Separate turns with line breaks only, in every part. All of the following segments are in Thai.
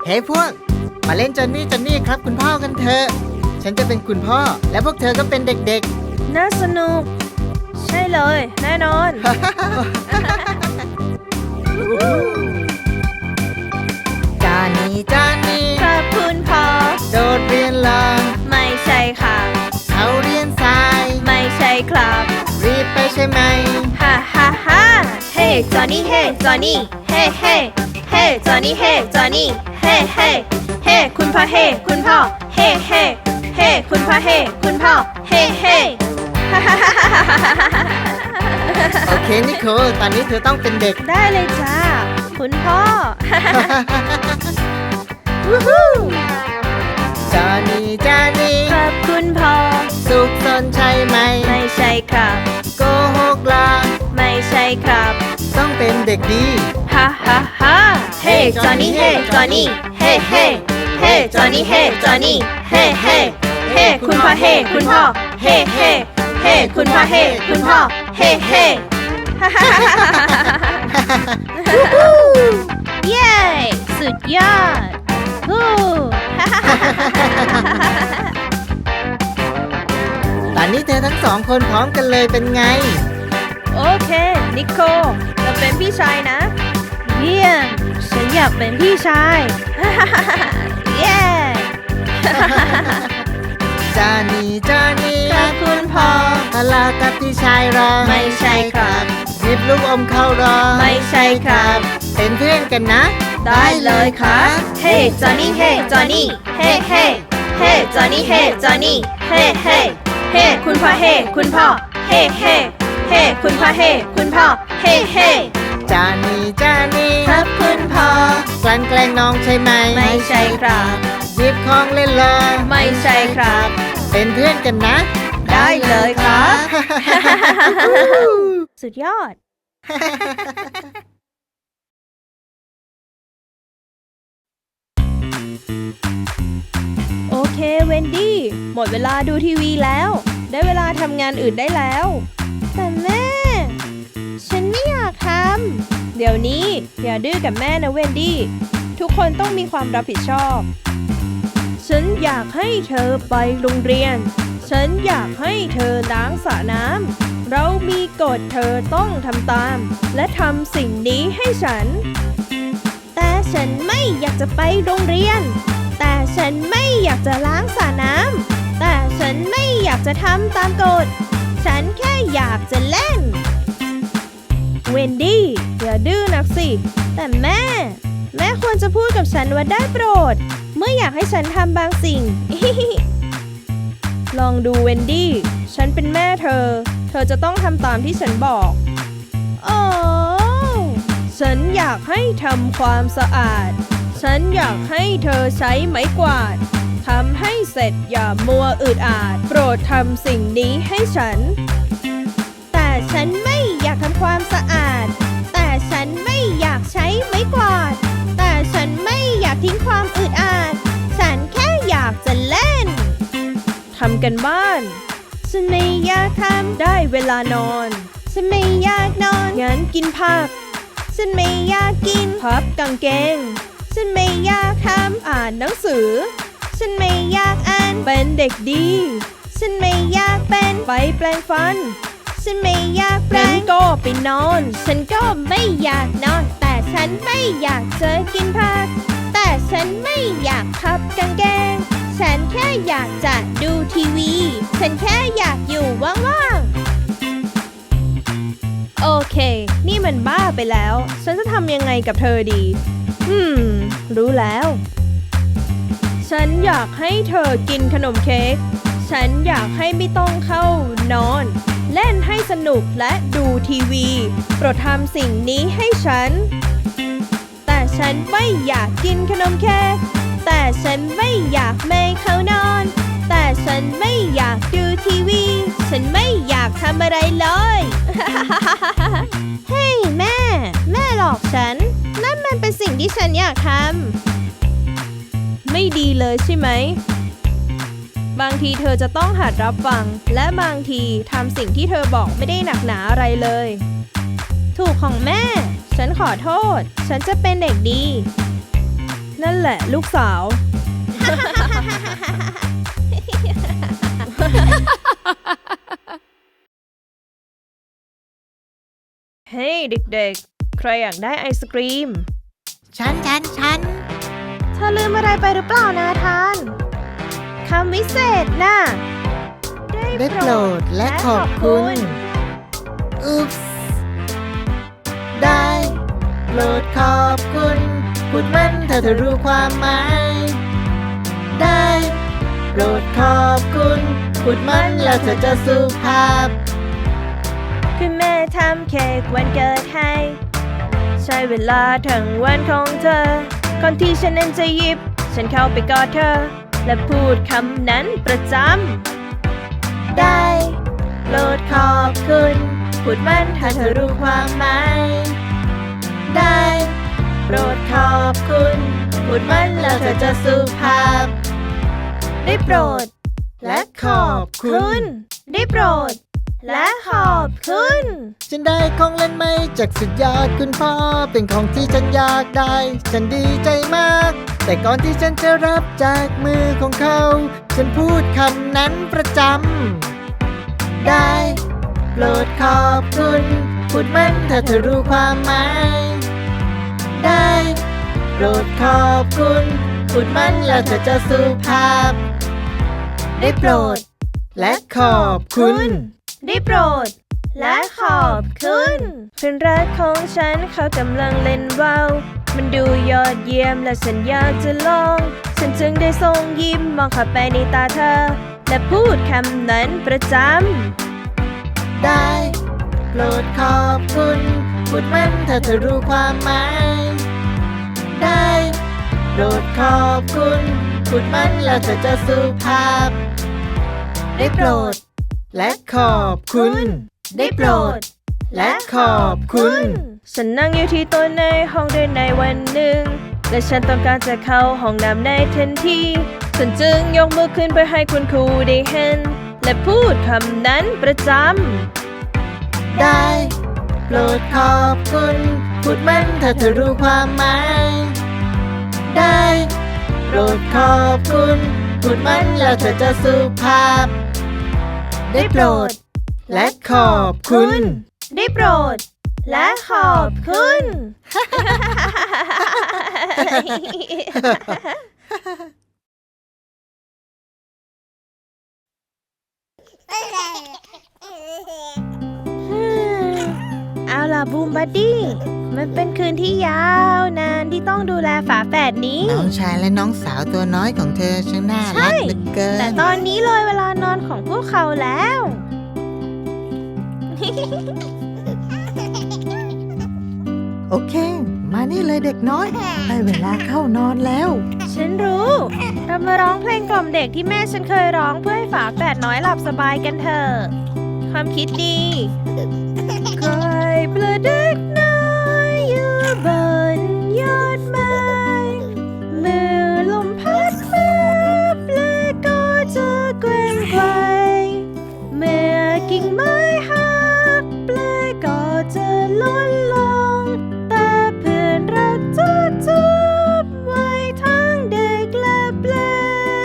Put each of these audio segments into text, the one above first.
เฮ้พวกมาเล่นจอนนี่ครับคุณพ่อกันเถอะฉันจะเป็นคุณพ่อและพวกเธอก็เป็นเด็ก
น่าสนุกใช่เลยแน่นอน
จอนนี่
ครับคุณพ่อ
โดดเรียนลอง
ไม่ใช่ค่ะ
เขาเรียนสาย
ไม่ใช่ครับ
รีบไปใช่ไหม
ฮ่าฮ่าฮ่าเฮ้จอนนี่เฮ้จอนนี่เฮ้เฮ้เฮ้จอนนี่เฮ้จอนนี่เฮ้เฮ้เฮ้คุณพ่อเฮ้คุณพ่อเฮ้เฮ้เฮ้คุณพ่อเฮ้คุณพ่อเฮ้เฮ้ฮ่าฮ่าฮ่าฮ่าฮ่า
โอเคนิโคลตอนนี้เธอต้องเป็นเด็ก
ได้เลยจ้าคุณพ่อ
จอนนี่
ครับคุณพ่อ
สุขสนใช่ไหม
ไม่ใช่ครับ
โกหกลา
ไม่ใช่ครับ
ต้องเป็นเด็กดี
ฮ่าฮ่าฮ่าเฮ้จอนนี่เฮ้จอนนี่เฮ้เฮ้เฮ้จอนนี่เฮ้จอนนี่เฮ้เฮ้เฮ้คุณพ่อเฮ้คุณพ่อเฮ้เฮ้เฮ้คุณพ่อเฮ้คุณพ่อเฮ้เฮ้ฮ่าฮ่าฮ่าฮ่าเย้สุดยอดฮู้ฮ่าฮ่าฮ่าฮ่า
ตอนนี้เธอทั้งสองคนพร้อมกันเลยเป็นไง
โอเคนิโคเราเป็นพี่ชายนะเยี่ยมฉันอยากเป็นพี่ชาย เย้
จอนนี่
ครับคุณพ่อ
ทะเลาะกับพี่ชายรอ
ไม่ใช่ครับ
หยิบลูกอมเข้ารอ
ไม่ใช่ครับ
เป็นเพื่อนกันนะ
ได้เลยครับเฮ้จอนนี่เฮ้จอนนี่เฮ้เฮ้เฮ้จอนนี่เฮ้จอนนี่เฮ้เฮ้เฮ้คุณพ่อเฮ้คุณพ่อเฮ้เฮ้เฮ้คุณพ่อเฮ้คุณพ่อเฮ้เฮ้
จอนนี่
ครับคุณพ่อก
ลั่นแกล้งน้องใช่ไหม
ไม่ใช่ครับ
หยิบของเล่นเลย
ไม่ใช่ครับ
เป็นเพื่อนกันนะ
ได้เลยครับ สุดยอด โอเคเวนดี้หมดเวลาดูทีวีแล้ว ได้เวลาทำงานอื่นได้แล้ว แต่แม่ ฉันไม่อยากทำเดี๋ยวนี้อย่าดื้อกับแม่นะเวนดี้ทุกคนต้องมีความรับผิดชอบฉันอยากให้เธอไปโรงเรียนฉันอยากให้เธอล้างสระน้ำเรามีกฎเธอต้องทำตามและทำสิ่งนี้ให้ฉันแต่ฉันไม่อยากจะไปโรงเรียนแต่ฉันไม่อยากจะล้างสระน้ำแต่ฉันไม่อยากจะทำตามกฎฉันแค่อยากจะเล่นเวนดี้อย่าดื้อนักสิแต่แม่ควรจะพูดกับฉันว่าได้โปรดเมื่ออยากให้ฉันทำบางสิ่ง ลองดูเวนดี้ฉันเป็นแม่เธอจะต้องทำตามที่ฉันบอกโอ้ฉันอยากให้ทำความสะอาดฉันอยากให้เธอใช้ไม้กวาดทำให้เสร็จอย่ามัวอึดอัดโปรดทำสิ่งนี้ให้ฉันแต่ฉันไม่อยากทำความสะอาดแต่ฉันไม่อยากใช้ไม้กวาดแต่ฉันไม่อยากทิ้งความอึดอัดฉันแค่อยากจะเล่นทำกันบ้านฉันไม่อยากทำได้เวลานอนฉันไม่อยากนอนงั้นกินผักฉันไม่อยากกินพับกางเกงฉันไม่อยากทำอ่านหนังสือฉันไม่อยากอ่านเป็นเด็กดีฉันไม่อยากเป็นไปแปรงฟันฉันไม่อยากแปรงก็ไปนอนฉันก็ไม่อยากนอนแต่ฉันไม่อยากจะกินผักแต่ฉันไม่อยากพับกางเกงฉันแค่อยากจะดูทีวีฉันแค่อยากอยู่ว่างๆโอเคนี่มันบ้าไปแล้วฉันจะทำยังไงกับเธอดีรู้แล้วฉันอยากให้เธอกินขนมเค้กฉันอยากให้ไม่ต้องเข้านอนเล่นให้สนุกและดูทีวีโปรดทำสิ่งนี้ให้ฉันแต่ฉันไม่อยากกินขนมเค้กแต่ฉันไม่อยากไม่เข้านอนแต่ฉันไม่อยากดูทีวีฉันไม่อยากทำอะไรเลย เฮ้ยแม่หลอกฉันนั่นมันเป็นสิ่งที่ฉันอยากทำไม่ดีเลยใช่ไหมบางทีเธอจะต้องหัดรับฟังและบางทีทำสิ่งที่เธอบอกไม่ได้หนักหนาอะไรเลยถูกของแม่ฉันขอโทษฉันจะเป็นเด็กดีนั่นแหละลูกสาว เฮ้ยเด็กๆ ใครอยากได้ไอศกรีม
ฉัน
เธอลืมอะไรไปหรือเปล่านาธาน คำวิเศษน่ะ
ได้โปรดและขอบคุณอุ๊บได้โปรดขอบคุณพูดมันถ้าเธอรู้ความหมายได้โปรดขอบคุณพูดมันแล้วเธอจะสุภาพ
คุณแม่ทำเค้กวันเกิดให้ ใช้เวลาทั้งวันของเธอ ก่อนที่ฉันนั้นจะหยิบ ฉันเข้าไปกอดเธอ และพูดคำนั้นประจำ
ได้โปรดขอบคุณพูดมันถ้าเธอรู้ความหมายได้โปรดขอบคุณพูดมันแล้วเธอจะสุภาพ
ได้โปรด
และขอบคุณ
ได้โปรด และขอบคุณ
ฉันได้ของเล่นใหม่จากสุดยอดคุณพ่อเป็นของที่ฉันอยากได้ ฉันดีใจมาก แต่ก่อนที่ฉันจะรับจากมือของเขา ฉันพูดคำนั้นประจำได้โปรดขอบคุณพูดมันถ้าเธอรู้ความหมายได้โปรดขอบคุณพูดมันแล้วเธอจะสุภาพ ได้โปรด และขอบคุณ
ได้โปรด และขอบคุณเพื่อนรักของฉันเขากำลังเล่นว่าวมันดูยอดเยี่ยมและฉันอยากจะลอง ฉันจึงได้ส่งยิ้มมองเข้าไปในตาเธอ และพูดคำนั้นประจำ
ได้โปรดขอบคุณพูดมันถ้าเธอรู้ความหมายได้โปรดขอบคุณพูดมันแล้วเธอจะสุภาพ ได้โปรด และขอบคุณ ได้โปรด และขอบคุณ
ฉันนั่งอยู่ที่โต๊ะในห้องเรียนในวันหนึ่ง และฉันต้องการจะเข้าห้องน้ำในทันที ฉันจึงยกมือขึ้นเพื่อให้คุณครูได้เห็น และพูดคำนั้นประจำ
ได้โปรดขอบคุณพูดมันถ้าเธอรู้ความหมายได้โปรดขอบคุณพูดมันแล้วเธอจะสุภาพ ได้โปรด และขอบคุณ
ได้โปรด และขอบคุณ เอาล่ะบูมบัดดี้ มันเป็นคืนที่ยาวนานที่ต้องดูแลฝาแฝดนี้
น้องชายและน้องสาวตัวน้อยของเธอช่างน่ารักเหลือเกิน
แต่ตอนนี้เลยเวลานอนของพวกเขาแล้ว
โอเค มานี่เลยเด็กน้อยได้เวลาเข้านอนแล้ว
ฉันรู้ เรามาร้องเพลงกล่อมเด็กที่แม่ฉันเคยร้องเพื่อให้ฝาแฝดน้อยหลับสบายกันเถอะ ความคิดดีคอยปลาเด็กน้อยอยู่บนยอดไม้เมื่อลมพัดมาปลาก็จะแกว่งไกวเมื่อกิ่งไม้หักปลาก็จะล้นลงแต่เพื่อนรักจะจับไว้ทั้งเด็กและปลา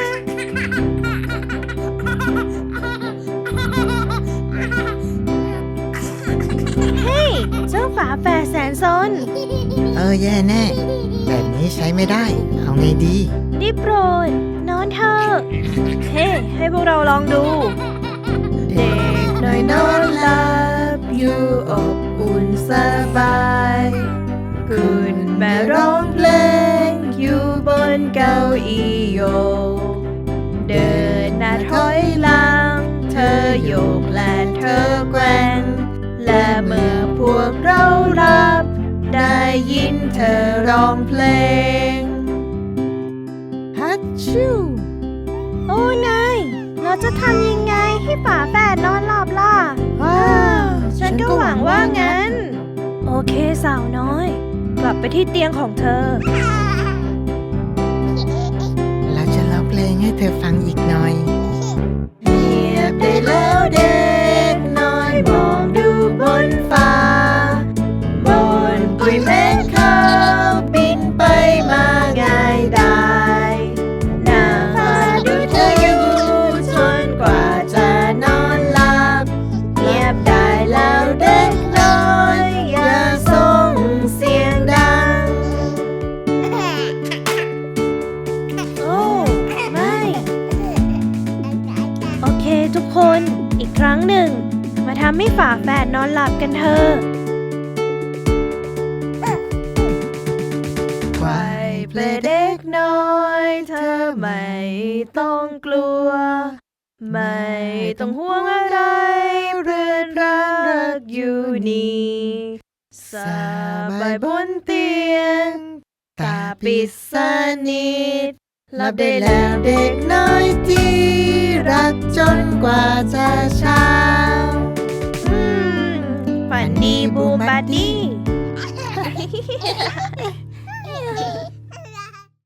เฮ้ย เจ้าฝาแฝดแสนซน
แย่แน่ แบบนี้ใช้ไม่ได้ เอาไงดี
ได้โปรด นอนเถอะเฮ้ ให้พวกเราลองดู เด็กน้อยนอนหลับอยู่อบอุ่นสบายคุณแม่ร้องเพลงอยู่บนเก้าอี้โยก เดินหน้าถอยหลัง เธอโยกและเธอแกว่ง และเมื่อพวกเราหลับ ได้ยินเธอร้องเพลง
ฮัตชู
โอ้นายเราจะทำยังไงให้ฝาแฝดนอนหลับล่ะ
ว้าว
ฉันก็หวังว่างั้น โอเคสาวน้อย กลับไปที่เตียงของเธอ
เราจะร้องเพลงให้เธอฟังอีกหน่อยเงียบได้แล้วเด็กน้อยมองดูบนฟ้าบนปุยเม็ดขาวบินไปมาง่าย
ฝาแฝดนอนหลับกันเถอะ
ไหว
เพลเด็กน้อยเธอไม่ต้องกลัว ไม่ต้องห่วงอะไรเรือนรักอยู่นี่สบายบนเตียง ตาปิดสนิทหลับได้แล้วเด็กน้อยที่รักจนกว่าจะเช้าฝันดีบูมบัดดี้